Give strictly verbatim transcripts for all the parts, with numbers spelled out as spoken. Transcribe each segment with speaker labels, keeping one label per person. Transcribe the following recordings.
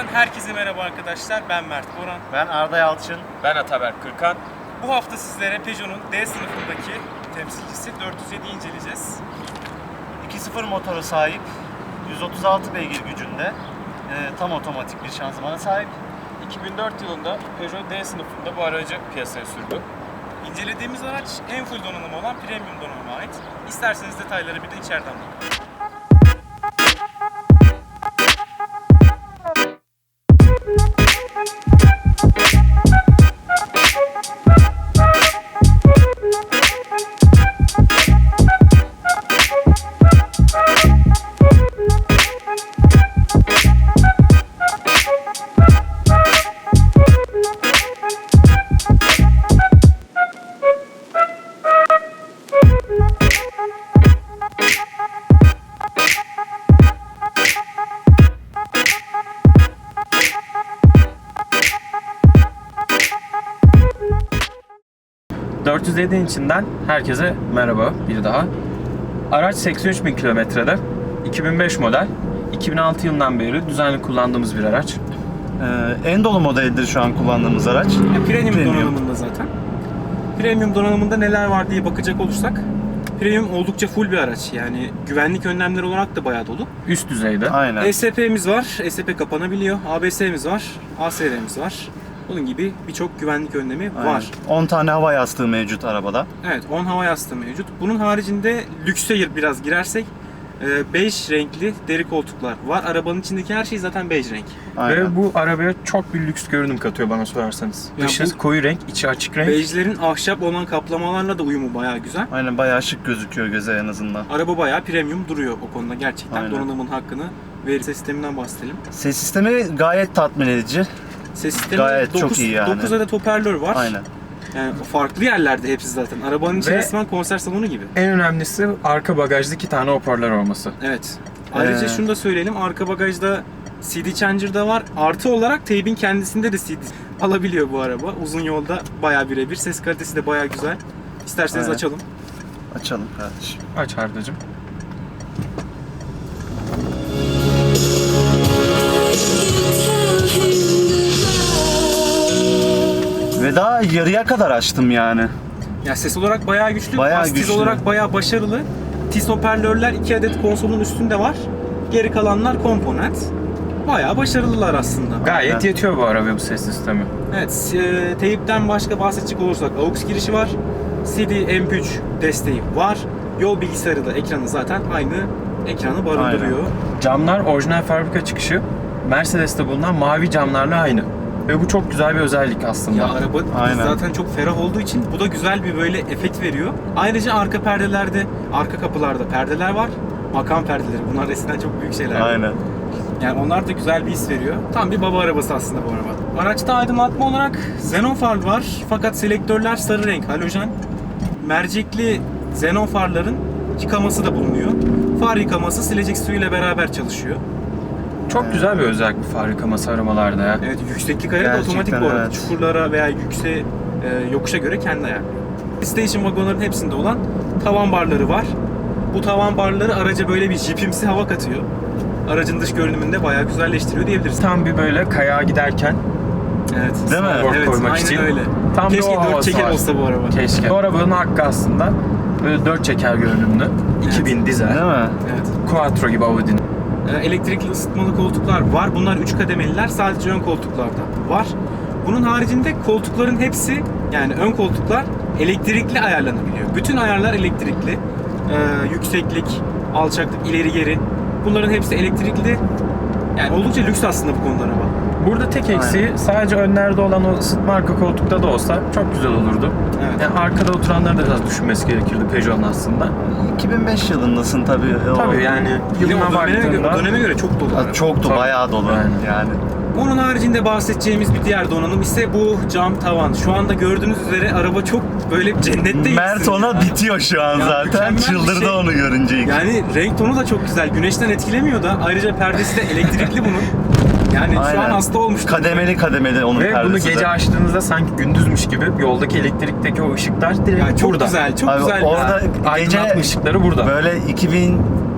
Speaker 1: herkese merhaba arkadaşlar. Ben Mert Boran.
Speaker 2: Ben Arda Yalçın.
Speaker 3: Ben Ataberk Kırkan.
Speaker 1: Bu hafta sizlere Peugeot'un D sınıfındaki temsilcisi dört yüz yediyi inceleyeceğiz.
Speaker 2: iki sıfır motoru sahip, yüz otuz altı beygir gücünde, e, tam otomatik bir şanzımana sahip.
Speaker 3: iki bin dört yılında Peugeot D sınıfında bu aracı piyasaya sürdü.
Speaker 1: İncelediğimiz araç en full donanımı olan premium donanıma ait. İsterseniz detayları bir de içeriden bakalım.
Speaker 3: dört yüz yedi'nin içinden herkese merhaba bir daha. Araç seksen üç bin kilometrede, iki bin beş model, iki bin altı yılından beri düzenli kullandığımız bir araç.
Speaker 2: E, en dolu modelidir şu an kullandığımız araç.
Speaker 1: Ya, premium,
Speaker 2: Premium.
Speaker 1: donanımında zaten. Premium donanımında neler var diye bakacak olursak, premium oldukça full bir araç. Yani güvenlik önlemleri olarak da bayağı dolu.
Speaker 3: Üst düzeyde.
Speaker 2: Aynen.
Speaker 1: E S P'miz var, E S P kapanabiliyor. A B S'miz var, A S R'miz var. Bunun gibi birçok güvenlik önlemi
Speaker 2: Aynen.
Speaker 1: var.
Speaker 2: on tane hava yastığı mevcut arabada.
Speaker 1: Evet, on hava yastığı mevcut. Bunun haricinde lükse biraz girersek, e, bej renkli deri koltuklar var. Arabanın içindeki her şey zaten bej renk.
Speaker 2: Aynen.
Speaker 3: Ve bu arabaya çok bir lüks görünüm katıyor bana sorarsanız.
Speaker 1: Ya
Speaker 3: Dışı
Speaker 1: bu-
Speaker 3: koyu renk, içi açık renk.
Speaker 1: Bejlerin ahşap olan kaplamalarla da uyumu bayağı güzel.
Speaker 2: Aynen, bayağı şık gözüküyor göze en azından.
Speaker 1: Araba bayağı premium duruyor o konuda gerçekten.
Speaker 2: Aynen.
Speaker 1: Donanımın hakkını verir. Ses sisteminden bahsedelim.
Speaker 2: Ses sistemi gayet tatmin edici.
Speaker 1: Ses sistemi
Speaker 2: Gayet çok
Speaker 1: dokuz,
Speaker 2: iyi yani.
Speaker 1: dokuz adet hoparlör var.
Speaker 2: Aynen.
Speaker 1: Yani farklı yerlerde hepsi zaten. Arabanın içi
Speaker 3: Ve-
Speaker 1: resmen konser salonu gibi.
Speaker 3: En önemlisi arka bagajda iki tane hoparlör olması.
Speaker 1: Evet. Ayrıca
Speaker 2: Ee,
Speaker 1: şunu da söyleyelim. Arka bagajda C D Changer'da var. Artı olarak teybin kendisinde de C D alabiliyor bu araba. Uzun yolda bayağı birebir. Ses kalitesi de bayağı güzel. İsterseniz
Speaker 2: Aynen.
Speaker 1: açalım.
Speaker 2: Açalım kardeşim.
Speaker 3: Aç Arda'cığım.
Speaker 2: Ve daha yarıya kadar açtım yani.
Speaker 1: Ya ses olarak bayağı güçlü.
Speaker 2: Bayağı
Speaker 1: Bas tiz
Speaker 2: güçlü.
Speaker 1: olarak bayağı başarılı. Tiz hoparlörler iki adet konsolun üstünde var. Geri kalanlar komponent. Bayağı başarılılar aslında.
Speaker 3: Gayet
Speaker 2: Aynen.
Speaker 3: yetiyor bu arabaya bu ses sistemi.
Speaker 1: Evet, e, teyipten başka bahsedecek olursak A U X girişi var. C D M P üç desteği var. Yol bilgisayarı da ekranı zaten aynı ekranı barındırıyor.
Speaker 3: Camlar orijinal fabrika çıkışı. Mercedes'te bulunan mavi camlarla aynı. Ve bu çok güzel bir özellik aslında.
Speaker 1: Ya araba
Speaker 2: Aynen.
Speaker 1: zaten çok ferah olduğu için bu da güzel bir böyle efekt veriyor. Ayrıca arka perdelerde, arka kapılarda perdeler var. Makam perdeleri. Bunlar eskiden çok büyük şeyler.
Speaker 2: Aynen.
Speaker 1: Yani onlar da güzel bir his veriyor. Tam bir baba arabası aslında bu araba. Araçta aydınlatma olarak xenon far var. Fakat selektörler sarı renk, halojen. Mercekli xenon farların yıkaması da bulunuyor. Far yıkaması silecek suyuyla beraber çalışıyor.
Speaker 3: Çok güzel bir özellik bu far yıkaması aramalarda ya.
Speaker 1: Evet, yükseklik ayarı da
Speaker 2: Gerçekten
Speaker 1: otomatik bu arada.
Speaker 2: evet.
Speaker 1: Çukurlara veya yükse e, yokuşa göre kendi ayarlıyor. Station vagonların hepsinde olan tavan barları var. Bu tavan barları araca böyle bir jipimsi hava katıyor. Aracın dış görünümünü de bayağı güzelleştiriyor diyebiliriz.
Speaker 3: Tam bir böyle kayağa giderken
Speaker 1: Evet.
Speaker 2: Değil mi?
Speaker 3: Board
Speaker 1: Evet,
Speaker 3: koymak
Speaker 1: aynen
Speaker 3: için.
Speaker 1: öyle.
Speaker 3: Tam bir
Speaker 1: Keşke
Speaker 3: o
Speaker 1: dört
Speaker 3: havası
Speaker 1: çeker
Speaker 3: var.
Speaker 1: olsa bu araba.
Speaker 3: Keşke. Bu arabanın hakkı aslında böyle dört çeker görünümlü. iki bin dizel.
Speaker 2: Değil mi?
Speaker 1: Evet.
Speaker 3: Quattro gibi Audi'nin.
Speaker 1: Ee, Elektrikli ısıtmalı koltuklar var. Bunlar üç kademeliler. Sadece ön koltuklarda var. Bunun haricinde koltukların hepsi, yani ön koltuklar elektrikli ayarlanabiliyor. Bütün ayarlar elektrikli. Ee, yükseklik, alçaklık, ileri geri. Bunların hepsi elektrikli. Yani oldukça lüks aslında bu konuda araba.
Speaker 3: Burada tek eksiği sadece önlerde olan o ısıtma arka koltukta da olsa çok güzel olurdu.
Speaker 1: Evet.
Speaker 3: Yani arkada oturanları da biraz düşünmesi gerekirdi Peugeot'un aslında.
Speaker 2: iki bin beş yılındasın tabii. O-
Speaker 3: Tabii yani
Speaker 1: Yine
Speaker 3: yılına
Speaker 1: o döneme, göre, o
Speaker 3: baktığında
Speaker 1: döneme göre çok dolu araba.
Speaker 2: Çok da
Speaker 3: Tabii.
Speaker 2: bayağı dolu
Speaker 3: Aynen.
Speaker 2: yani.
Speaker 1: Onun haricinde bahsedeceğimiz bir diğer donanım ise bu cam tavan. Şu anda gördüğünüz üzere araba çok böyle cennette
Speaker 2: Mert ona bitiyor şu an
Speaker 1: Ya
Speaker 2: zaten.
Speaker 1: mükemmel bir
Speaker 2: Çıldırdı
Speaker 1: şey.
Speaker 2: onu görünce.
Speaker 1: Yani renk tonu da çok güzel. Güneşten etkilemiyor da. Ayrıca perdesi de elektrikli bunun. Yani şu
Speaker 2: Aynen.
Speaker 1: an hasta olmuş.
Speaker 2: Kademeli kademeli onun
Speaker 3: ve bunu
Speaker 2: perdesi
Speaker 3: gece
Speaker 2: de.
Speaker 3: açtığınızda sanki gündüzmüş gibi yoldaki elektrikteki o ışıklar direkt
Speaker 1: Yani çok
Speaker 3: burada.
Speaker 1: güzel, çok
Speaker 2: Abi
Speaker 1: güzel.
Speaker 2: orada
Speaker 1: ya.
Speaker 2: gece
Speaker 3: Aydınlatma ışıkları burada.
Speaker 2: böyle iki bin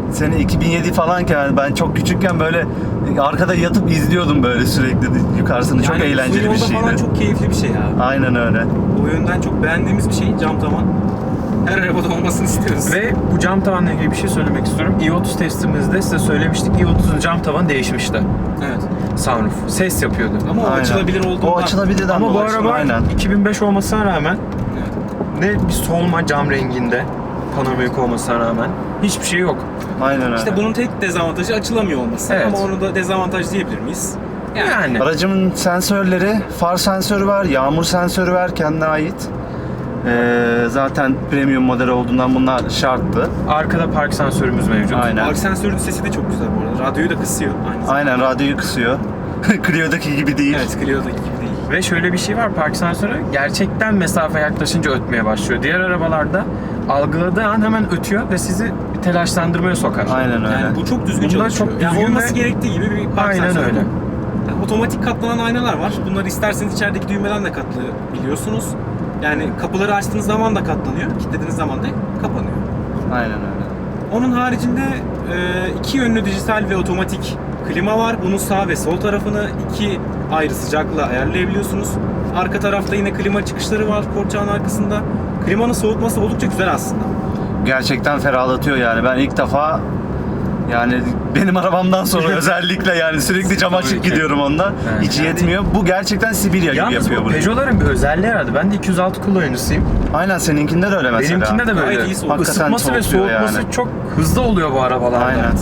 Speaker 2: sene iki bin yedi falanken ben çok küçükken böyle arkada yatıp izliyordum böyle sürekli yukarısını. Çok
Speaker 1: Yani
Speaker 2: eğlenceli bir
Speaker 1: uzun yolda falan
Speaker 2: şeydi.
Speaker 1: çok keyifli bir şey ya.
Speaker 2: Aynen öyle.
Speaker 1: O yönden çok beğendiğimiz bir şey cam tavan. Her arabada olmasını istiyoruz.
Speaker 3: Ve bu cam tavanla ilgili bir şey söylemek istiyorum. i otuz testimizde size söylemiştik. i otuzun cam tavanı değişmişti.
Speaker 1: Evet.
Speaker 3: Sunroof. Ses yapıyordu.
Speaker 1: Ama o
Speaker 2: Aynen.
Speaker 1: açılabilir olduğundan.
Speaker 2: O açılabilirden
Speaker 3: Ama bu
Speaker 2: dolayı.
Speaker 3: araba
Speaker 2: Aynen.
Speaker 3: iki bin beş olmasına rağmen
Speaker 1: Evet.
Speaker 3: ne bir solma cam renginde, panoramik olmasına rağmen hiçbir şey yok.
Speaker 2: Aynen öyle.
Speaker 1: İşte bunun tek dezavantajı açılamıyor olması.
Speaker 3: Evet.
Speaker 1: Ama onu da dezavantaj diyebilir miyiz? Yani.
Speaker 3: Yani
Speaker 2: Aracımın sensörleri, far sensörü var, yağmur sensörü var kendine ait. Ee, zaten premium model olduğundan bunlar şarttı.
Speaker 3: arkada park sensörümüz mevcut.
Speaker 2: Aynen.
Speaker 1: Park sensörünün sesi de çok güzel bu arada. Radyoyu da kısıyor aynı zamanda.
Speaker 2: Aynen radyoyu kısıyor. Clio'daki gibi değil.
Speaker 1: Evet, Clio'daki gibi değil.
Speaker 3: Ve şöyle bir şey var, park sensörü gerçekten mesafe yaklaşınca ötmeye başlıyor. Diğer arabalarda algıladığı an hemen ötüyor ve sizi bir telaşlandırmaya sokar.
Speaker 2: Aynen öyle.
Speaker 1: Yani bu çok düzgün
Speaker 3: Bunlar
Speaker 1: çalışıyor.
Speaker 3: çok
Speaker 1: yani
Speaker 3: düzgün
Speaker 1: olması
Speaker 3: ve-
Speaker 1: gerektiği gibi bir park
Speaker 3: Aynen
Speaker 1: sensörü.
Speaker 3: öyle.
Speaker 1: Yani otomatik katlanan aynalar var. Bunları isterseniz içerideki düğmeden de katlayabiliyorsunuz. Yani kapıları açtığınız zaman da katlanıyor, kilitlediğiniz zaman da kapanıyor.
Speaker 2: Aynen öyle.
Speaker 1: Onun haricinde e, iki yönlü dijital ve otomatik klima var. Bunun sağ ve sol tarafını iki ayrı sıcaklığa ayarlayabiliyorsunuz. Arka tarafta yine klima çıkışları var korçağın arkasında. Klimanın soğutması oldukça güzel aslında.
Speaker 2: Gerçekten ferahlatıyor yani. Ben ilk defa yani benim arabamdan sonra özellikle yani sürekli cam
Speaker 3: Tabii
Speaker 2: açık
Speaker 3: ki.
Speaker 2: gidiyorum onda.
Speaker 3: Evet.
Speaker 2: Hiç
Speaker 1: Yani-
Speaker 2: yetmiyor. Bu gerçekten Sibirya gibi
Speaker 3: Yalnız
Speaker 2: yapıyor
Speaker 3: bu
Speaker 2: bunu.
Speaker 3: Peugeot'ların bir özelliği herhalde. Ben de iki yüz altı kullanıcısıyım.
Speaker 2: Aynen seninkinde de öyle mesela.
Speaker 3: Benimkinde de
Speaker 1: Gayet
Speaker 3: böyle.
Speaker 1: iyi soğutuyor.
Speaker 3: Isıtması ve
Speaker 2: Hakikaten
Speaker 3: soğutması
Speaker 2: soğutuyor
Speaker 3: çok hızlı oluyor bu arabalarda.
Speaker 2: Aynen.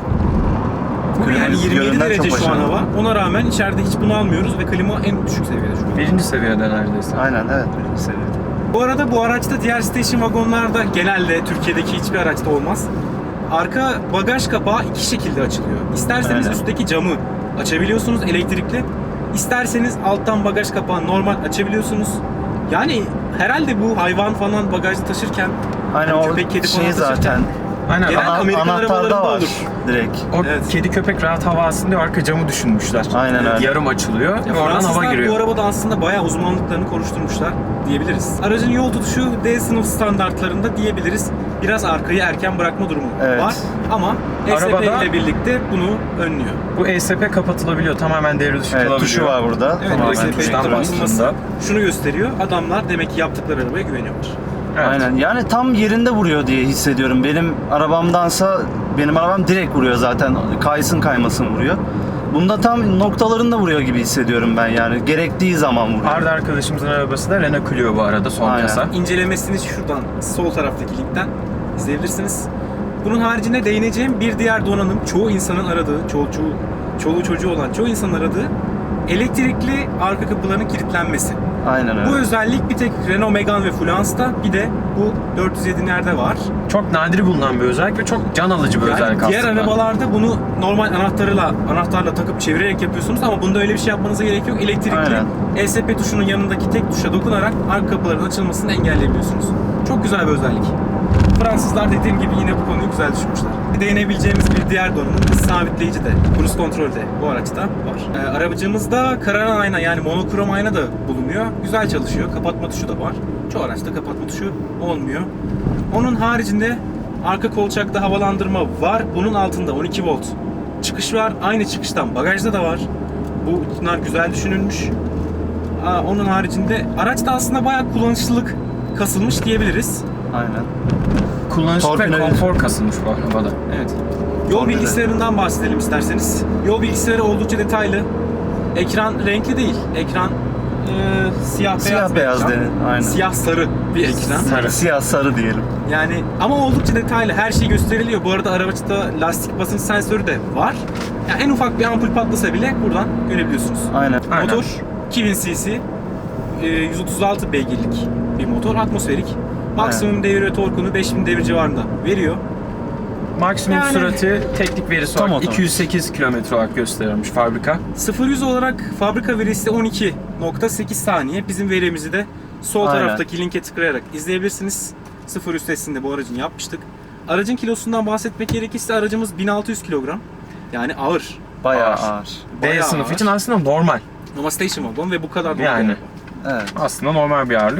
Speaker 1: Bu yani
Speaker 2: Klimanın
Speaker 1: yirmi yedi
Speaker 2: yönünden
Speaker 1: derece
Speaker 2: çok
Speaker 1: şu an
Speaker 2: başarılı.
Speaker 1: hava. Ona rağmen içeride hiç bunu almıyoruz ve klima en düşük seviyede şu an.
Speaker 3: Birinci seviyede neredeyse.
Speaker 2: Aynen evet birinci seviyede.
Speaker 1: Bu arada bu araçta diğer station wagonlarda genelde Türkiye'deki hiçbir araçta olmaz. Arka bagaj kapağı iki şekilde açılıyor. İsterseniz
Speaker 2: Aynen.
Speaker 1: üstteki camı açabiliyorsunuz elektrikli. İsterseniz alttan bagaj kapağını normal açabiliyorsunuz. Yani herhalde bu hayvan falan bagajda taşırken
Speaker 2: Aynen
Speaker 1: hani
Speaker 2: o
Speaker 1: köpek, kedi falan
Speaker 2: şey
Speaker 1: taşırken
Speaker 2: zaten
Speaker 3: Aynen.
Speaker 1: Genel-
Speaker 2: ana,
Speaker 1: Amerikan
Speaker 2: anahtarda
Speaker 1: arabalarında
Speaker 2: var
Speaker 1: olur.
Speaker 2: direkt.
Speaker 3: O
Speaker 1: Evet.
Speaker 3: kedi köpek rahat hava alsın diye arka camı düşünmüşler.
Speaker 2: Aynen öyle.
Speaker 3: Yarım açılıyor
Speaker 1: Ya
Speaker 3: ve oradan hava
Speaker 1: Fransızlar
Speaker 3: giriyor.
Speaker 1: bu arabada aslında bayağı uzmanlıklarını konuşturmuşlar diyebiliriz. Aracın yol tutuşu D sınıf standartlarında diyebiliriz. Biraz arkayı erken bırakma durumu
Speaker 2: Evet.
Speaker 1: var ama E S P
Speaker 3: Arabada-
Speaker 1: ile birlikte bunu önlüyor.
Speaker 3: Bu E S P kapatılabiliyor. Tamamen devre dışı
Speaker 2: Evet
Speaker 3: kalabiliyor.
Speaker 2: tuşu var burada.
Speaker 1: Evet,
Speaker 2: Tamamen
Speaker 1: E S P
Speaker 3: tuştan
Speaker 1: ekranı
Speaker 3: bastığında.
Speaker 1: bulunması şunu gösteriyor. Adamlar demek ki yaptıkları arabaya güveniyorlar.
Speaker 3: Evet.
Speaker 2: Aynen. Yani tam yerinde vuruyor diye hissediyorum. Benim arabamdansa benim arabam direkt vuruyor zaten. Kaysın kaymasın vuruyor. Bunda tam noktalarında vuruyor gibi hissediyorum ben yani. Gerektiği zaman vuruyor.
Speaker 3: Arda arkadaşımızın arabası da Renault Clio bu arada son
Speaker 2: Aynen.
Speaker 3: kasa.
Speaker 1: İncelemesini şuradan sol taraftaki linkten izleyebilirsiniz. Bunun haricinde değineceğim bir diğer donanım çoğu insanın aradığı, çoğu, çoğu, çoluğu çocuğu olan çoğu insanın aradığı elektrikli arka kapıların kilitlenmesi.
Speaker 2: Aynen öyle.
Speaker 1: Bu özellik bir tek Renault Megane ve Fluence'da, bir de bu dört yüz yedilerde var.
Speaker 3: Çok nadir bulunan bir özellik ve çok can alıcı bir
Speaker 1: Yani
Speaker 3: özellik
Speaker 1: diğer
Speaker 3: aslında.
Speaker 1: arabalarda bunu normal anahtarla anahtarla takıp çevirerek yapıyorsunuz ama bunda öyle bir şey yapmanıza gerek yok. Elektrikli
Speaker 2: Aynen.
Speaker 1: E S P tuşunun yanındaki tek tuşa dokunarak arka kapıların açılmasını engelleyebiliyorsunuz. Çok güzel bir özellik. Fransızlar dediğim gibi yine bu konuyu güzel düşünmüşler. Değinebileceğimiz bir diğer donanım hız sabitleyici de, cruise kontrol de bu araçta var. Ee, arabacımızda kararan ayna yani monokrom ayna da bulunuyor. Güzel çalışıyor. Kapatma tuşu da var. Çoğu araçta kapatma tuşu olmuyor. Onun haricinde arka kolçakta havalandırma var. Bunun altında on iki volt çıkış var. Aynı çıkıştan bagajda da var. Bunlar güzel düşünülmüş. Aa, onun haricinde araçta aslında bayağı kullanışlılık kasılmış diyebiliriz.
Speaker 2: Aynen.
Speaker 3: Kullanışlı ve
Speaker 2: Torpido-
Speaker 3: konfor kasılmış bu arabada.
Speaker 1: Evet. Yol
Speaker 2: Torpido.
Speaker 1: bilgisayarından bahsedelim isterseniz. Yol bilgisayarı oldukça detaylı. Ekran renkli değil. Ekran e, siyah beyaz.
Speaker 2: Siyah
Speaker 1: bir
Speaker 2: beyaz
Speaker 1: ekran.
Speaker 2: de, aynen.
Speaker 1: Siyah sarı bir ekran.
Speaker 3: Sarı.
Speaker 2: Siyah sarı diyelim.
Speaker 1: Yani ama oldukça detaylı. Her şey gösteriliyor. Bu arada araçta lastik basınç sensörü de var. Yani en ufak bir ampul patlasa bile buradan görebiliyorsunuz.
Speaker 2: Aynen.
Speaker 3: Aynen.
Speaker 1: Motor iki bin cc, e, yüz otuz altı beygirlik bir motor, atmosferik. Maksimum devir ve torkunu beş bin devir civarında veriyor.
Speaker 3: Maksimum
Speaker 1: Yani-
Speaker 3: sürati teknik verisi
Speaker 2: Tam
Speaker 3: olarak
Speaker 2: otomatik.
Speaker 3: iki yüz sekiz kilometre olarak gösteriyormuş fabrika.
Speaker 1: sıfır yüz olarak fabrika verisi on iki nokta sekiz saniye. Bizim verimizi de sol
Speaker 2: Aynen.
Speaker 1: taraftaki linke tıklayarak izleyebilirsiniz. sıfır yüz testinde bu aracın yapmıştık. Aracın kilosundan bahsetmek gerekirse aracımız bin altı yüz kilogram. Yani ağır.
Speaker 2: Bayağı
Speaker 3: Ağır.
Speaker 2: ağır.
Speaker 3: D
Speaker 1: Bayağı
Speaker 3: sınıf
Speaker 1: ağır.
Speaker 3: için aslında normal.
Speaker 1: Ama station wagon ve bu kadar da
Speaker 3: Yani.
Speaker 1: yani.
Speaker 2: Evet.
Speaker 3: Aslında normal bir ağırlık.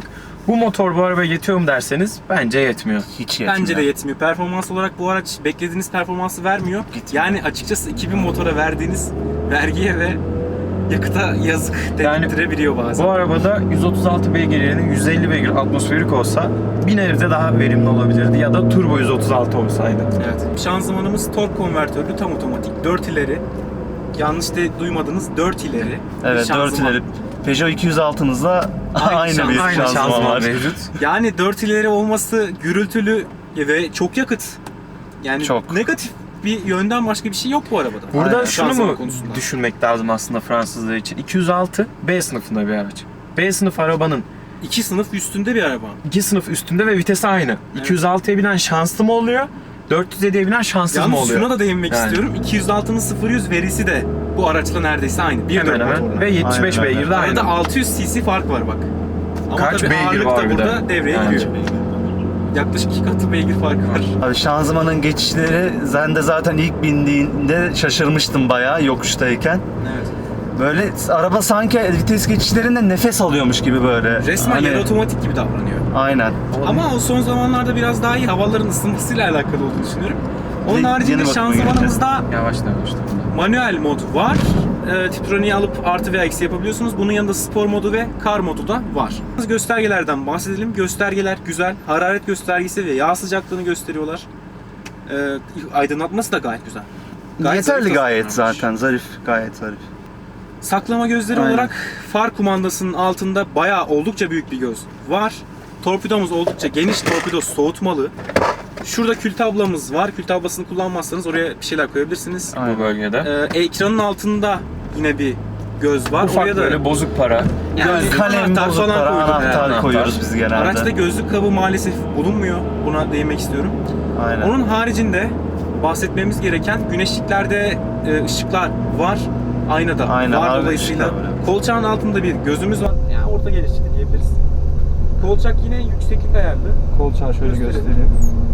Speaker 3: Bu motor bu arabaya yetiyor mu derseniz bence yetmiyor.
Speaker 2: Hiç yetmiyor.
Speaker 1: Bence de yetmiyor. Performans olarak bu araç beklediğiniz performansı vermiyor.
Speaker 2: Gitmiyor.
Speaker 1: Yani açıkçası iki bin motora verdiğiniz vergiye ve yakıta yazık
Speaker 3: Yani
Speaker 1: dedirtebiliyor bazen.
Speaker 3: Bu arabada yüz otuz altı beygir yerine yüz elli beygir atmosferik olsa bir nebze daha verimli olabilirdi ya da turbo yüz otuz altı olsaydı.
Speaker 1: Evet. Şanzımanımız tork konvertörlü, tam otomatik, dört ileri. Yanlış de duymadınız, dört ileri. bir
Speaker 2: Evet,
Speaker 1: şanzıman.
Speaker 2: dört ileri. Peugeot iki yüz altınızla
Speaker 1: Aynı
Speaker 2: aynı,
Speaker 1: şanzıman,
Speaker 2: bir
Speaker 3: Aynı
Speaker 2: şanzıman
Speaker 3: şanzıman
Speaker 2: var.
Speaker 3: mevcut.
Speaker 1: Yani dört ileri olması gürültülü ve çok yakıt. Yani
Speaker 2: Çok.
Speaker 1: negatif bir yönden başka bir şey yok bu arabada.
Speaker 3: Burada
Speaker 2: Aynen,
Speaker 3: şunu
Speaker 1: şanzıman
Speaker 3: mu
Speaker 1: konusunda.
Speaker 3: düşünmek lazım aslında Fransızlar için? iki yüz altı B sınıfında bir araç. B sınıf arabanın
Speaker 1: İki sınıf üstünde bir araba.
Speaker 3: iki sınıf üstünde ve vitesi aynı. iki yüz altıya binen şanslı mı oluyor? dört yüz yediye binen şanssız mı
Speaker 1: Yalnız
Speaker 3: oluyor?
Speaker 1: şuna da değinmek
Speaker 3: Yani.
Speaker 1: istiyorum. iki yüz altının sıfır yüz verisi de bu araçla neredeyse aynı. bir
Speaker 3: Hemen
Speaker 1: dört
Speaker 3: hemen.
Speaker 1: motorla.
Speaker 3: Ve yetmiş beş
Speaker 2: Aynen,
Speaker 3: beygir de
Speaker 1: Arada
Speaker 3: aynı.
Speaker 1: altı yüz cc fark var bak. Ama
Speaker 3: Kaç
Speaker 1: tabii
Speaker 3: beygir
Speaker 1: ağırlık
Speaker 3: var
Speaker 1: da
Speaker 3: bir de?
Speaker 1: burada devreye
Speaker 3: Yani.
Speaker 1: giriyor. Yaklaşık iki katı beygir farkı var.
Speaker 2: Abi şanzımanın geçişleri, sen de zaten ilk bindiğinde şaşırmıştım bayağı yokuştayken.
Speaker 1: Evet.
Speaker 2: Böyle araba sanki vites geçişlerinde nefes alıyormuş gibi böyle.
Speaker 1: Resmen
Speaker 2: Hani-
Speaker 1: yarı otomatik gibi davranıyor.
Speaker 2: Aynen.
Speaker 1: Ama o son zamanlarda biraz daha iyi, havaların ısınmasıyla alakalı olduğunu düşünüyorum. Onun
Speaker 2: Yeni
Speaker 1: haricinde
Speaker 2: bakıma
Speaker 1: şanzımanımızda
Speaker 3: Yavaş da yavaş da.
Speaker 1: manuel mod var. E, Tiptroniği alıp artı veya eksi yapabiliyorsunuz. Bunun yanında spor modu ve kar modu da var. Göstergelerden bahsedelim. Göstergeler güzel. Hararet göstergesi ve yağ sıcaklığını gösteriyorlar. E, aydınlatması da gayet güzel. Gayet
Speaker 2: Yeterli
Speaker 1: zarif
Speaker 2: gayet
Speaker 1: tasarlanmış.
Speaker 2: zaten, zarif, gayet zarif.
Speaker 1: Saklama gözleri
Speaker 2: Aynen.
Speaker 1: olarak far kumandasının altında bayağı oldukça büyük bir göz var. Torpidomuz oldukça geniş, torpido soğutmalı. Şurada kül tablamız var. Kül tablasını kullanmazsanız oraya bir şeyler koyabilirsiniz.
Speaker 3: Bu
Speaker 2: Aynen.
Speaker 3: bölgede.
Speaker 1: Ee, ekranın altında yine bir göz var.
Speaker 3: Ufak
Speaker 1: oraya da
Speaker 3: böyle bozuk para.
Speaker 1: yani
Speaker 2: Kalem,
Speaker 1: anahtar
Speaker 2: bozuk
Speaker 1: falan
Speaker 2: para,
Speaker 1: koyduk.
Speaker 2: anahtar
Speaker 3: Anahtar.
Speaker 2: koyuyoruz biz genelde.
Speaker 1: Araçta gözlük kabı maalesef bulunmuyor. Buna değinmek istiyorum.
Speaker 2: Aynen.
Speaker 1: Onun haricinde bahsetmemiz gereken güneşliklerde e, ışıklar var. Aynada
Speaker 2: Aynen,
Speaker 1: var
Speaker 2: abi,
Speaker 1: dolayısıyla.
Speaker 2: ışıklar var.
Speaker 1: Kolçağın altında bir gözümüz var. Yani orta gelişikli diyebiliriz. Kolçak yine yükseklik ayarlı.
Speaker 4: Kolçağı şöyle
Speaker 1: Gösterelim.
Speaker 4: göstereyim.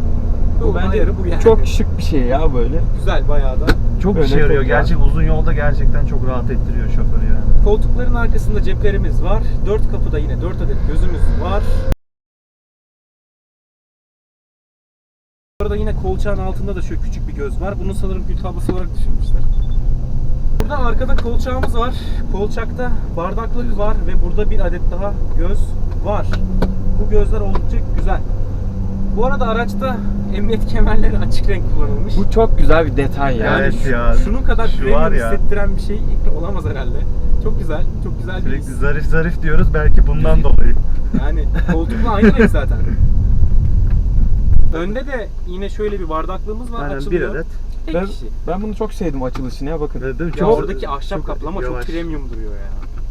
Speaker 1: Bu
Speaker 4: Bu bence
Speaker 1: ayarı bu yani.
Speaker 4: çok şık bir şey ya böyle.
Speaker 1: güzel bayağı da.
Speaker 2: çok
Speaker 4: Öyle
Speaker 2: işe yarıyor.
Speaker 4: çok ya.
Speaker 2: Gerçek uzun yolda gerçekten çok rahat ettiriyor şoförü yani.
Speaker 1: Koltukların arkasında ceplerimiz var. Dört kapıda yine dört adet gözümüz var. Burada yine kolçağın altında da şöyle küçük bir göz var. Bunu sanırım kül tablası olarak düşünmüşler. Burada arkada kolçağımız var. Kolçakta bardaklık var ve burada bir adet daha göz var. Bu gözler oldukça güzel. Bu arada araçta emniyet kemerleri açık renk kullanılmış.
Speaker 4: Bu çok güzel bir detay ya.
Speaker 1: Yani
Speaker 2: Evet
Speaker 1: şu-
Speaker 2: ya.
Speaker 1: şunun kadar
Speaker 2: Şu
Speaker 1: premium
Speaker 2: var ya.
Speaker 1: hissettiren bir şey olamaz herhalde. Çok güzel, çok güzel bir
Speaker 2: Sürekli
Speaker 1: his.
Speaker 2: zarif zarif diyoruz belki bundan dolayı.
Speaker 1: Yani koltukla aynı renk zaten. Önde de yine şöyle bir bardaklığımız var,
Speaker 2: Aynen,
Speaker 1: açılıyor.
Speaker 2: bir adet.
Speaker 1: Tek
Speaker 4: Ben,
Speaker 1: kişi.
Speaker 4: ben bunu çok sevdim açılışını ya bakın.
Speaker 2: Evet, değil mi?
Speaker 1: Ya
Speaker 2: Çok-
Speaker 1: oradaki ahşap
Speaker 2: çok
Speaker 1: kaplama çok
Speaker 2: yavaş.
Speaker 1: premium duruyor ya.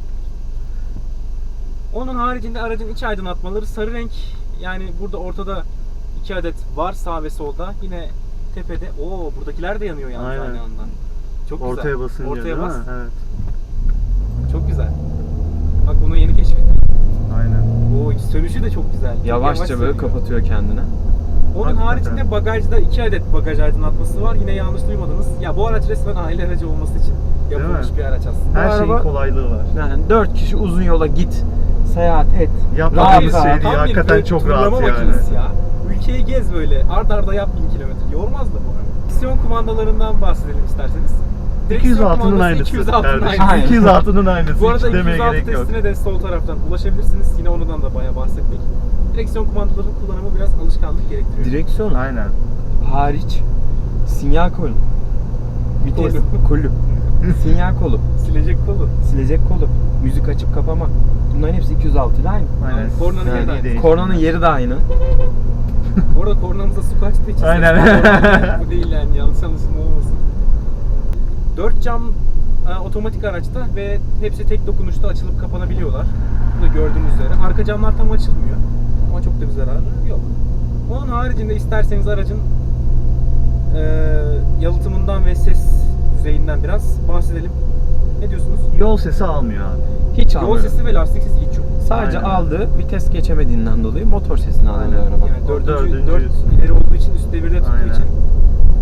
Speaker 1: Onun haricinde aracın iç aydınlatmaları sarı renk. Yani burada ortada iki adet var sağ ve solda. Yine tepede. Oo buradakiler de yanıyor yalnız
Speaker 2: Aynen.
Speaker 1: aynı anda. Çok güzel.
Speaker 2: Ortaya basınca
Speaker 1: Ortaya
Speaker 2: değil mi?
Speaker 1: bas.
Speaker 2: Evet.
Speaker 1: Çok güzel. Bak bunu yeni keşfettim.
Speaker 2: Aynen.
Speaker 1: O sönüşü de çok güzel. Çok
Speaker 4: Yavaşça
Speaker 1: yavaş
Speaker 4: böyle
Speaker 1: sönüyor.
Speaker 4: kapatıyor kendini.
Speaker 1: Onun
Speaker 2: Hakikaten.
Speaker 1: haricinde bagajda iki adet bagaj aydınlatması var. Yine yanlış duymadınız. Ya bu araç resmen aile aracı olması için yapılmış
Speaker 2: mi?
Speaker 1: bir araç aslında.
Speaker 2: Her
Speaker 4: Bu
Speaker 2: şeyin
Speaker 4: araba-
Speaker 2: kolaylığı var.
Speaker 4: Yani dört kişi uzun yola git, seyahat et.
Speaker 2: Yapmadığımız
Speaker 4: Rahat
Speaker 2: şey
Speaker 4: rahat.
Speaker 2: değil.
Speaker 1: Tam bir
Speaker 2: Hakikaten
Speaker 1: böyle
Speaker 2: çok
Speaker 1: turlama
Speaker 2: rahat yani.
Speaker 1: makinesi ya. Ülkeyi gez böyle. Ard arda yap bin kilometre. Yormaz da bu araba. Direksiyon kumandalarından bahsedelim isterseniz.
Speaker 2: iki yüz altının
Speaker 1: kumandası
Speaker 2: aynısı.
Speaker 1: iki yüz altının
Speaker 2: kardeşim.
Speaker 1: aynısı.
Speaker 2: iki yüz altının aynısı.
Speaker 1: Bu arada
Speaker 2: Hiç
Speaker 1: iki yüz
Speaker 2: demeye
Speaker 1: altı
Speaker 2: gerek yok.
Speaker 1: testine de sol taraftan ulaşabilirsiniz. Yine ondan da bayağı bahsettik. Direksiyon kumandalarının kullanımı biraz alışkanlık gerektiriyor.
Speaker 4: Direksiyon
Speaker 2: Aynen.
Speaker 4: hariç sinyal kolu, vites kolu, sinyal kolu,
Speaker 1: Silecek kolu.
Speaker 4: silecek kolu, müzik açıp kapama. Bunların hepsi iki yüz altı ile aynı.
Speaker 2: Aynen.
Speaker 1: Kornanın
Speaker 2: Yani
Speaker 1: yeri de
Speaker 2: iyi
Speaker 1: aynı.
Speaker 2: değil.
Speaker 4: Kornanın yeri de aynı.
Speaker 1: Bu arada kornamıza su kaçtığı için
Speaker 2: Aynen.
Speaker 1: ses- bu değil yani yanlış anlaşılma olmasın. Dört cam e, otomatik araçta ve hepsi tek dokunuşta açılıp kapanabiliyorlar. Bu da gördüğünüz üzere. Arka camlar tam açılmıyor ama çok da bir zararı yok. Onun haricinde isterseniz aracın e, yalıtımından ve ses düzeyinden biraz bahsedelim. Ne diyorsunuz?
Speaker 2: Yol sesi almıyor abi.
Speaker 4: Hiç
Speaker 1: Yol
Speaker 4: almıyor.
Speaker 1: sesi ve lastik sesi hiç yok.
Speaker 4: Sadece
Speaker 2: Aynen.
Speaker 4: aldığı vites geçemediğinden dolayı motor sesini alıyor araba.
Speaker 1: Yani dördüncü,
Speaker 2: dördüncü-
Speaker 1: dört ileri olduğu için üst devirde tuttuğu
Speaker 2: Aynen.
Speaker 1: için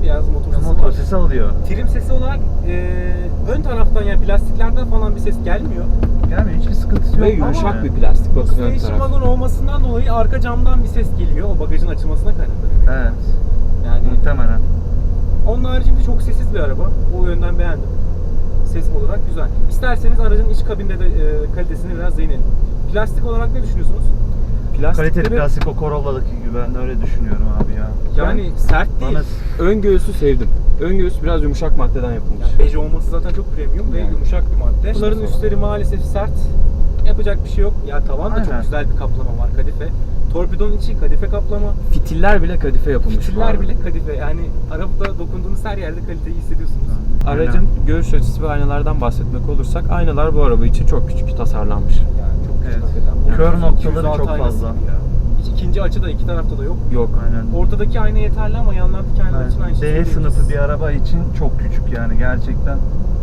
Speaker 1: biraz motor sesi
Speaker 2: Motor
Speaker 1: var.
Speaker 2: sesi alıyor.
Speaker 1: Trim sesi olarak e, ön taraftan yani plastiklerden falan bir ses gelmiyor.
Speaker 2: Gelmiyor, hiçbir sıkıntısı
Speaker 4: Ve
Speaker 2: yok.
Speaker 4: yumuşak
Speaker 2: ama
Speaker 4: bir plastik bakın ön
Speaker 1: Station
Speaker 4: taraf.
Speaker 1: wagon olmasından dolayı arka camdan bir ses geliyor. O bagajın açılmasına kaynaklanıyor.
Speaker 2: Evet.
Speaker 1: Yani
Speaker 2: Muhtemelen.
Speaker 1: onun haricinde çok sessiz bir araba. O yönden beğendim. Ses olarak güzel. İsterseniz aracın iç kabinde de e, kalitesini biraz değinelim. Plastik olarak ne düşünüyorsunuz?
Speaker 2: Kaliteli
Speaker 4: Plastikleri,
Speaker 2: plastik o Corolla'daki gibi, ben de öyle düşünüyorum abi ya.
Speaker 1: Yani sert değil.
Speaker 2: Bana
Speaker 4: ön göğsü sevdim. Ön göğüs biraz yumuşak maddeden yapılmış.
Speaker 1: Yani beige olması zaten çok premium ve
Speaker 4: Yani.
Speaker 1: yumuşak bir madde. Bunların üstleri maalesef sert. Yapacak bir şey yok. Ya tavan da çok
Speaker 2: Aynen.
Speaker 1: güzel bir kaplama var, kadife. Torpidonun içi kadife kaplama.
Speaker 4: Fitiller bile kadife yapılmış. bu
Speaker 1: Fitiller
Speaker 4: arada.
Speaker 1: bile kadife. Yani arabada dokunduğunuz her yerde kaliteyi hissediyorsunuz.
Speaker 4: Aracın görüş açısı ve aynalardan bahsetmek olursak aynalar bu araba için çok küçük tasarlanmış.
Speaker 1: Yani çok küçük
Speaker 2: Evet.
Speaker 1: hakikaten.
Speaker 2: Kör
Speaker 1: otuz,
Speaker 2: noktaları
Speaker 1: iki yüz altı
Speaker 2: çok
Speaker 1: aynası
Speaker 2: fazla.
Speaker 1: gibi ya. Hiç ikinci açı da iki tarafta da yok.
Speaker 4: Yok.
Speaker 2: aynen.
Speaker 1: Ortadaki ayna yeterli ama yanlardaki aynalar için aynı şey
Speaker 2: D
Speaker 1: söyleyebiliriz.
Speaker 2: sınıfı bir araba için çok küçük yani, gerçekten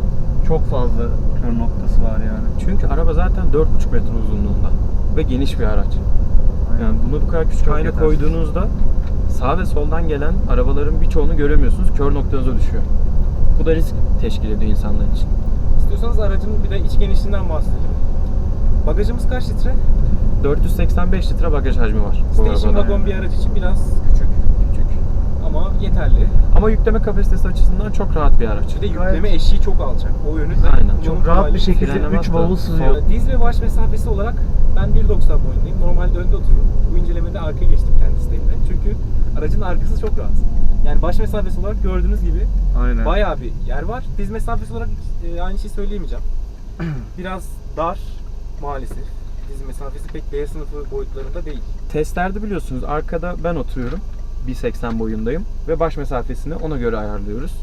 Speaker 2: çok fazla kör noktası var yani.
Speaker 4: Çünkü araba zaten dört buçuk metre uzunluğunda ve geniş bir araç.
Speaker 2: Aynen.
Speaker 4: Yani bunu bu kadar küçük
Speaker 2: Çok
Speaker 4: ayna
Speaker 2: yetersiz.
Speaker 4: koyduğunuzda sağ ve soldan gelen arabaların birçoğunu göremiyorsunuz. Kör noktanıza düşüyor. Bu da risk teşkil ediyor insanlar için.
Speaker 1: İstiyorsanız aracın bir de iç genişliğinden bahsedelim. Bagajımız kaç litre?
Speaker 4: dört yüz seksen beş litre bagaj hacmi var bu
Speaker 1: Station
Speaker 4: arabada.
Speaker 1: wagon bir araç için biraz küçük.
Speaker 4: Küçük.
Speaker 1: Ama yeterli.
Speaker 4: Ama yükleme kapasitesi açısından çok rahat bir araç.
Speaker 1: Bir de
Speaker 2: Gayet-
Speaker 1: yükleme eşiği çok alçak. O yönü de
Speaker 4: Aynen.
Speaker 1: kullanım
Speaker 2: Çok rahat
Speaker 1: kolaylığı.
Speaker 2: bir şekilde
Speaker 4: Frenlemez
Speaker 2: üç
Speaker 4: de.
Speaker 2: bavul sığıyor.
Speaker 4: Sol-
Speaker 1: Diz ve baş mesafesi olarak ben bir doksan boyundayım. Normalde önde oturuyorum. Bu incelemede arkaya geçtim kendi isteğimle. Çünkü aracın arkası çok rahat. Yani baş mesafesi olarak gördüğünüz gibi
Speaker 2: Aynen.
Speaker 1: bayağı bir yer var. Diz mesafesi olarak e, aynı şeyi söyleyemeyeceğim. Biraz dar maalesef. Diz mesafesi pek B sınıfı boyutlarında değil.
Speaker 4: Testlerde biliyorsunuz arkada ben oturuyorum. bir seksen boyundayım ve baş mesafesini ona göre ayarlıyoruz.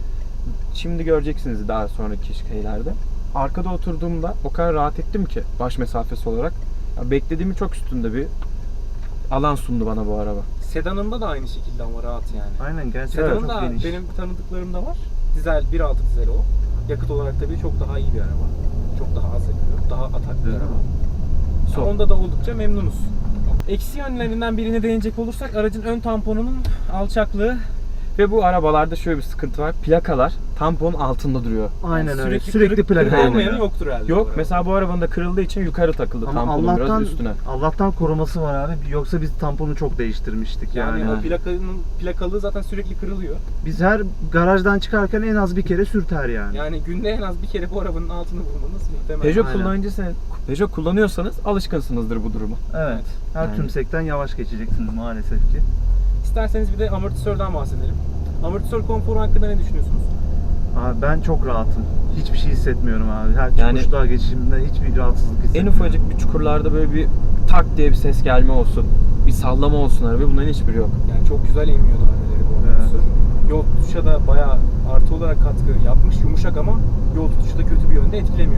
Speaker 4: Şimdi göreceksiniz daha sonraki şeylerde. Arkada oturduğumda o kadar rahat ettim ki baş mesafesi olarak. Ya beklediğimin çok üstünde bir alan sundu bana bu araba.
Speaker 1: Sedanında da aynı şekilde ama rahat yani.
Speaker 2: Aynen, gerçekten
Speaker 1: Sedanın
Speaker 2: çok
Speaker 1: da
Speaker 2: geniş.
Speaker 1: benim tanıdıklarımda var. Dizel bir altı dizel o. Yakıt olarak tabii çok daha iyi bir araba. Çok daha az yakıyor. Daha atak bir
Speaker 2: Evet.
Speaker 1: araba.
Speaker 4: Son.
Speaker 1: Onda da oldukça memnunuz. Eksi yönlerinden birine değinecek olursak aracın ön tamponunun alçaklığı.
Speaker 4: Ve bu arabalarda şöyle bir sıkıntı var. Plakalar tamponun altında duruyor.
Speaker 2: Aynen öyle.
Speaker 1: Sürekli,
Speaker 2: Sürekli
Speaker 1: kırık-
Speaker 2: plaka
Speaker 1: kırık olmayanı
Speaker 2: yanıyor.
Speaker 1: yoktur herhalde. bu
Speaker 4: Yok
Speaker 1: arada.
Speaker 4: mesela bu arabanın da kırıldığı için yukarı takıldı
Speaker 2: Ama
Speaker 4: tamponun
Speaker 2: Allah'tan
Speaker 4: biraz üstüne.
Speaker 2: Allah'tan koruması var abi. Yoksa biz tamponu çok değiştirmiştik
Speaker 1: yani,
Speaker 2: yani.
Speaker 1: o plakanın plakalığı zaten sürekli kırılıyor.
Speaker 2: Biz her garajdan çıkarken en az bir kere sürter yani.
Speaker 1: Yani günde en az bir kere bu arabanın altını bulmanız muhtemel.
Speaker 4: Peugeot
Speaker 2: Aynen.
Speaker 4: kullanıcısı, Peugeot kullanıyorsanız alışkınsınızdır bu duruma.
Speaker 2: Evet. Her
Speaker 4: Yani.
Speaker 2: tümsekten yavaş geçeceksiniz maalesef ki.
Speaker 1: İsterseniz bir de amortisörden bahsedelim. Amortisör konforu hakkında ne düşünüyorsunuz?
Speaker 2: Abi ben çok rahatım. Hiçbir şey hissetmiyorum abi. Her
Speaker 4: Yani-
Speaker 2: çıkışlığa geçişimde hiçbir rahatsızlık
Speaker 4: En
Speaker 2: hissetmiyorum.
Speaker 4: ufacık bir çukurlarda böyle bir tak diye bir ses gelme olsun. Bir sallama olsun araba. Bunların hiçbiri yok.
Speaker 1: Yani çok güzel emmiyor darbeleri bu
Speaker 2: Evet.
Speaker 1: amortisör. Yol tutuşa da bayağı artı olarak katkı yapmış. Yumuşak ama yol tutuşu da kötü bir yönde etkilemiyor.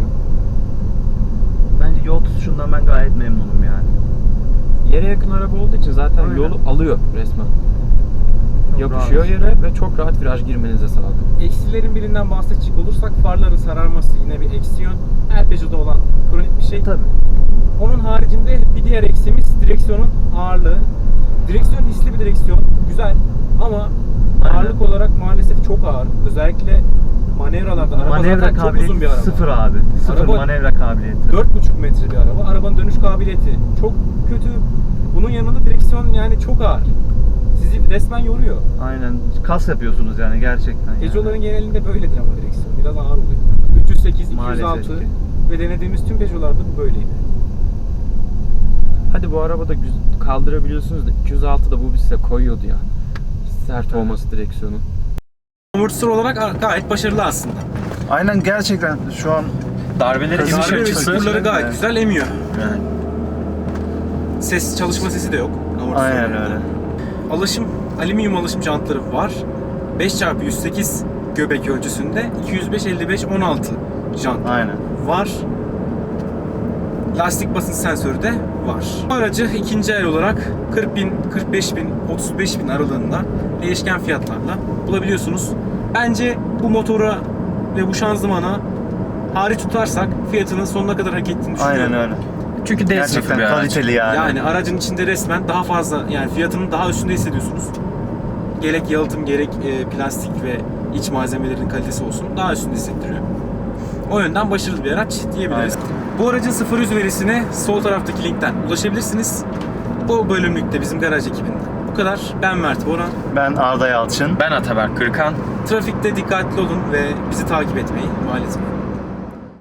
Speaker 2: Bence yol tutuşundan ben gayet memnunum yani.
Speaker 4: Yere yakın araba olduğu için zaten
Speaker 2: Aynen.
Speaker 4: yolu alıyor resmen.
Speaker 2: Çok
Speaker 4: Yapışıyor
Speaker 2: rahat.
Speaker 4: yere ve çok rahat viraj girmenize sağlıyor.
Speaker 1: Eksilerin birinden bahsedecek olursak farların sararması yine bir eksi yön. Her Peugeot'da olan kronik bir şey.
Speaker 2: Tabii.
Speaker 1: Onun haricinde bir diğer eksiğimiz direksiyonun ağırlığı. Direksiyon hisli bir direksiyon. Güzel ama
Speaker 2: Aynen.
Speaker 1: ağırlık olarak maalesef çok ağır. Özellikle manevralarda. Araba
Speaker 2: Manevra
Speaker 1: zaten çok uzun
Speaker 2: kabiliyeti
Speaker 1: bir araba.
Speaker 2: sıfır abi. Sıfır
Speaker 1: Araba-
Speaker 2: manevra kabiliyeti.
Speaker 1: dört buçuk metre bir araba. Arabanın dönüş kabiliyeti çok kötü. Bunun yanında direksiyon yani çok ağır. Sizi resmen yoruyor.
Speaker 2: Aynen. Kas yapıyorsunuz yani gerçekten. yani.
Speaker 1: Peugeot'ların genelinde böyledir ama direksiyon. Biraz ağır oluyor. üç yüz sekiz, iki yüz
Speaker 2: Maalesef
Speaker 1: altı
Speaker 2: ki.
Speaker 1: ve denediğimiz tüm Peugeot'larda bu böyleydi.
Speaker 4: Hadi bu arabada güz- kaldırabiliyorsunuz da iki yüz altı da bu bir size koyuyordu ya. Sert olması direksiyonun.
Speaker 1: Amortisör olarak gayet başarılı aslında.
Speaker 2: Aynen, gerçekten şu an
Speaker 3: Darbeleri
Speaker 2: Darbe
Speaker 3: iniş
Speaker 2: ve
Speaker 3: açısı.
Speaker 1: Çukurları gayet
Speaker 2: Evet.
Speaker 1: güzel emiyor.
Speaker 3: Yani.
Speaker 1: Ses, çalışma sesi de yok. amortisörün.
Speaker 2: aynen öyle.
Speaker 1: Alışım, alüminyum alışım jantları var. beş çarpı yüz sekiz göbek ölçüsünde iki yüz beş elli beş on altı jant
Speaker 2: Aynen.
Speaker 1: var. Lastik basınç sensörü de var. Bu aracı ikinci el olarak kırk bin, kırk beş bin, otuz beş bin aralığında değişken fiyatlarla bulabiliyorsunuz. Bence bu motora ve bu şanzımana hariç tutarsak fiyatının sonuna kadar hak ettiğini düşünüyorum.
Speaker 2: Aynen öyle.
Speaker 3: Çünkü D sınıfı
Speaker 2: Gerçekten
Speaker 3: bir araç.
Speaker 2: kaliteli yani.
Speaker 1: Yani aracın içinde resmen daha fazla, yani fiyatının daha üstünde hissediyorsunuz. gerek yalıtım gerek e, plastik ve iç malzemelerin kalitesi olsun daha üstünde hissettiriyor. O yönden başarılı bir araç diyebiliriz.
Speaker 2: Aynen.
Speaker 1: Bu aracın sıfır yüz verisine sol taraftaki linkten ulaşabilirsiniz. Bu bölümlükte bizim garaj ekibinden. Bu kadar. Ben Mert Boran.
Speaker 2: Ben Arda Yalçın.
Speaker 3: Ben Ataberk Kırkan.
Speaker 1: Trafikte dikkatli olun ve bizi takip etmeyi ihmal etmeyin.